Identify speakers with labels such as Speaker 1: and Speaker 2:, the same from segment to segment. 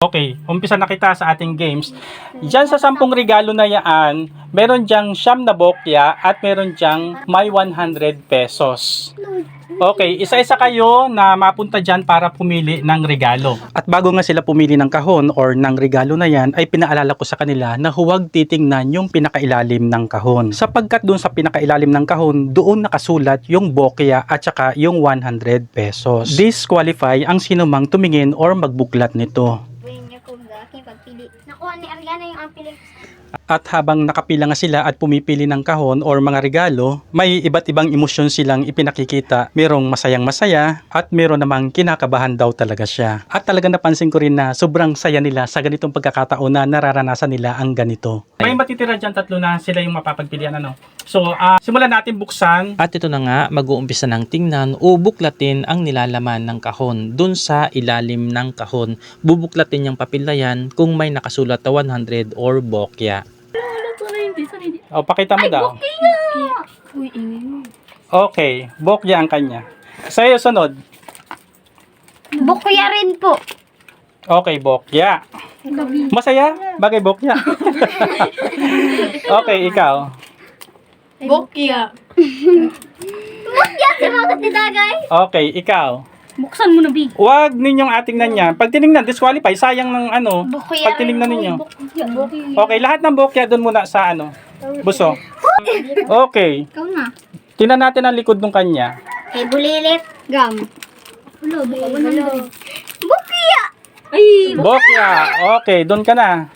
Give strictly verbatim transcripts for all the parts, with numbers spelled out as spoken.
Speaker 1: Okay, umpisa na kita sa ating games. Diyan sa sampung regalo na yan, meron diyang siyam na bokya at meron diyang may one hundred pesos. Okay, isa-isa kayo na mapunta dyan para pumili ng regalo. At bago nga sila pumili ng kahon or ng regalo na yan, ay pinaalala ko sa kanila na huwag titingnan yung pinakailalim ng kahon. Sapagkat doon sa pinakailalim ng kahon, doon nakasulat yung bokya at saka yung one hundred pesos. Disqualify ang sinumang tumingin or magbuklat nito.
Speaker 2: Nakuha ni Ariana yung ampili.
Speaker 1: At habang nakapila nga sila at pumipili ng kahon or mga regalo, may iba't ibang emosyon silang ipinakikita. Merong masayang masaya at meron namang kinakabahan daw talaga siya. At talaga napansin ko rin na sobrang saya nila sa ganitong pagkakataon na nararanasan nila ang ganito. May matitira dyan tatlo na sila yung mapapagpilian ano. So, uh, simulan natin buksan.
Speaker 3: At ito na nga, mag-uumpisa ng tingnan o buklatin ang nilalaman ng kahon. Dun sa ilalim ng kahon, bubuklatin yung papel na yan kung may nakasulat na one hundred or bokya.
Speaker 1: O, pakita mo daw.
Speaker 2: Uy, ingay mo.
Speaker 1: Okay, bokya ang kanya. Sa'yo, sunod.
Speaker 2: Bokya rin po.
Speaker 1: Okay, bokya. Masaya? Bagay bokya. Okay, ikaw.
Speaker 2: Bokya. Bokya si mga katidagay.
Speaker 1: Okay, ikaw.
Speaker 2: Buksan mo na, Big.
Speaker 1: Huwag ninyong atingnan yan. Pag tinignan, disqualify. Sayang ng ano.
Speaker 2: Bokya
Speaker 1: Pag tinignan
Speaker 2: rin po.
Speaker 1: ninyo.
Speaker 2: Bokya. Bokya.
Speaker 1: Okay, lahat ng bokya doon muna sa ano. Buso. Okay.
Speaker 2: Ikaw na.
Speaker 1: Tingnan natin ang likod ng kanya.
Speaker 2: Kay bulilit. Gam. Hello, hello. Bokya. Ay,
Speaker 1: Bokya. Okay, doon ka na.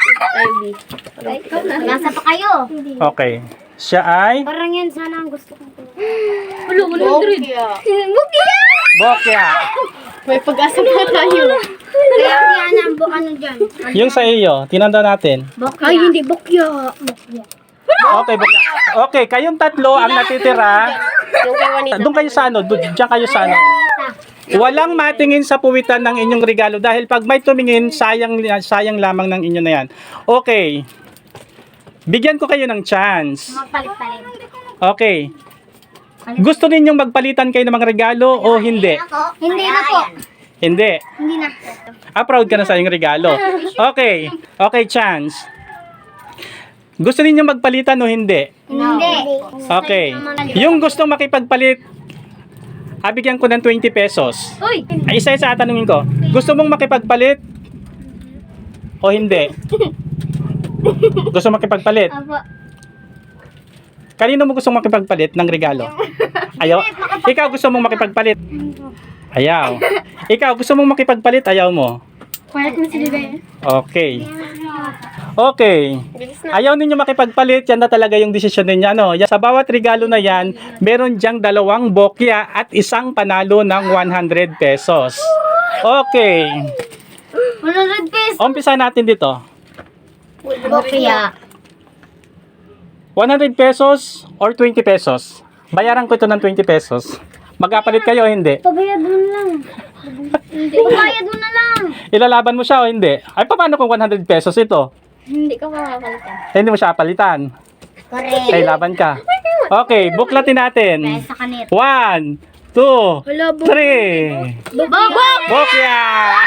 Speaker 2: ikaw na. Nasa pa kayo.
Speaker 1: Okay. Siya ay
Speaker 2: Parang yan sana ang gusto ko. Hello, Bokya. Bokya.
Speaker 1: bokya.
Speaker 2: May pag-asa na tayo. Kaya yan ang bu- ano dyan.
Speaker 1: Yung sa iyo, tinanda natin.
Speaker 2: Bokya. Ay, hindi bokya. Bokya.
Speaker 1: Okay, bokya. Okay, kayong tatlo ang natitira. Doon kayo sa ano, doon, diyan kayo sa ano. Walang matingin sa puwitan ng inyong regalo dahil pag may tumingin, sayang sayang lamang ng inyo na yan. Okay. Bigyan ko kayo ng chance.
Speaker 2: Magpalit-palit.
Speaker 1: Okay. Gusto ninyong magpalitan kayo ng mga regalo o hindi?
Speaker 2: Hindi na po.
Speaker 1: Hindi.
Speaker 2: Hindi na.
Speaker 1: Ah, proud ka na sa iyong regalo. Okay. Okay, chance. Gusto ninyong magpalitan o hindi?
Speaker 2: Hindi.
Speaker 1: Okay. Yung gustong makipagpalit, ah, bigyan ko ng twenty pesos.
Speaker 2: Uy!
Speaker 1: Ay, isa-isa tanungin ko. Gusto mong makipagpalit o hindi? Gusto makipagpalit?
Speaker 2: Apo.
Speaker 1: Kanino mo gusto makipagpalit ng regalo? Ayaw? Ikaw gusto mong makipagpalit? Ayaw. Ikaw gusto mong makipagpalit? Ayaw mo?
Speaker 2: Quiet mo si Bebe.
Speaker 1: Okay. Okay. Ayaw ninyo makipagpalit, yan na talaga yung desisyon ninyo. Ano? Yan- Sa bawat regalo na yan, meron diyang dalawang bokya at isang panalo ng one hundred pesos. Okay.
Speaker 2: one hundred pesos.
Speaker 1: Umpisa natin dito.
Speaker 2: Bokya.
Speaker 1: one hundred pesos or twenty pesos? Bayaran ko ito ng twenty pesos. Magkapalit kayo o hindi?
Speaker 2: Pabayad mo na lang. Hindi. Pabayad mo na lang.
Speaker 1: Ilalaban mo siya o hindi? Ay, paano kung one hundred pesos ito?
Speaker 2: Hindi ka makakalitan.
Speaker 1: Hindi mo siya palitan.
Speaker 2: Correct.
Speaker 1: Ay, laban ka. Okay, buklatin natin.
Speaker 2: Sa kanit.
Speaker 1: One, two, three.
Speaker 2: Bobok!
Speaker 1: Bokya!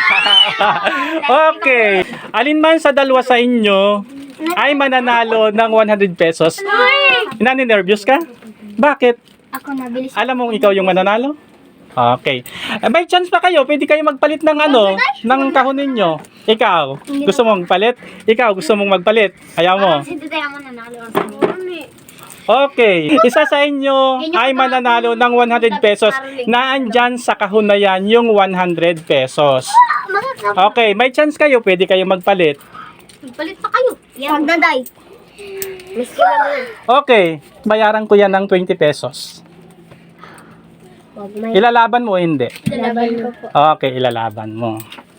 Speaker 1: Okay. Alin man sa dalawa sa inyo ay mananalo ng one hundred pesos. Nani-nervous ka? Bakit?
Speaker 2: Ako nabilis.
Speaker 1: Alam mong ikaw yung mananalo? Okay. Eh, may chance pa kayo. Pwede kayo magpalit ng ano, ng kahon ninyo. Ikaw, gusto mong magpalit? Ikaw, gusto mong magpalit? Ayaw mo?
Speaker 2: Hindi tayo mananalo ang kanit.
Speaker 1: Okay. Isa sa inyo ay mananalo ng one hundred pesos na andyan sa kahon na yan yung one hundred pesos. Okay. May chance kayo. Pwede kayo magpalit.
Speaker 2: Magpalit pa kayo. Yan. Pagdaday. Miski lang.
Speaker 1: Okay. Bayaran ko yan ng twenty pesos. Ilalaban mo o hindi?
Speaker 2: Laban ko po.
Speaker 1: Okay, ilalaban mo.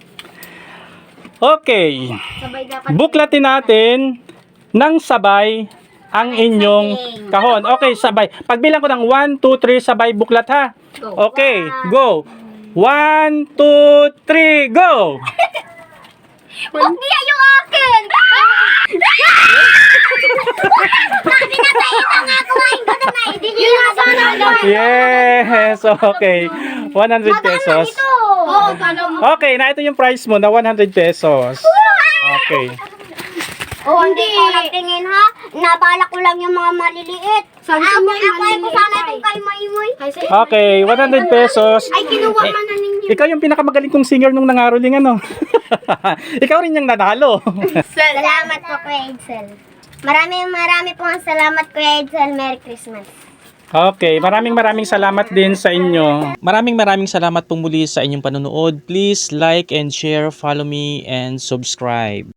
Speaker 1: Okay.
Speaker 2: Sabay dapat.
Speaker 1: Buklatin natin ng sabay ang inyong kahon. Okay, sabay. Pagbilang ko ng one, two, three, sabay buklat ha. Okay, go. one, two, three, go!
Speaker 2: Bokya yung akin! Sabi na tayo na nga kumain ko na na. Hindi nyo yung sana.
Speaker 1: Yes! Okay. one hundred pesos.
Speaker 2: Ito!
Speaker 1: Okay, na ito yung price mo na one hundred pesos. Okay.
Speaker 2: Oh, hindi ko nagtingin ha. Nabala ko lang yung mga maliliit. Sabi ko mo ko sana itong kay Maimoy.
Speaker 1: Okay, one hundred pesos.
Speaker 2: Ay, kinuha man na ninyo.
Speaker 1: Ikaw yung pinakamagaling kong singer nung nangaroling ano. Ikaw rin yung nanalo.
Speaker 2: Salamat po, Kuya Edsel. Maraming marami po ang salamat, Kuya Edsel. Merry Christmas.
Speaker 1: Okay, maraming maraming salamat din sa inyo.
Speaker 3: Maraming maraming salamat pong muli sa inyong panonood. Please like and share, follow me, and subscribe.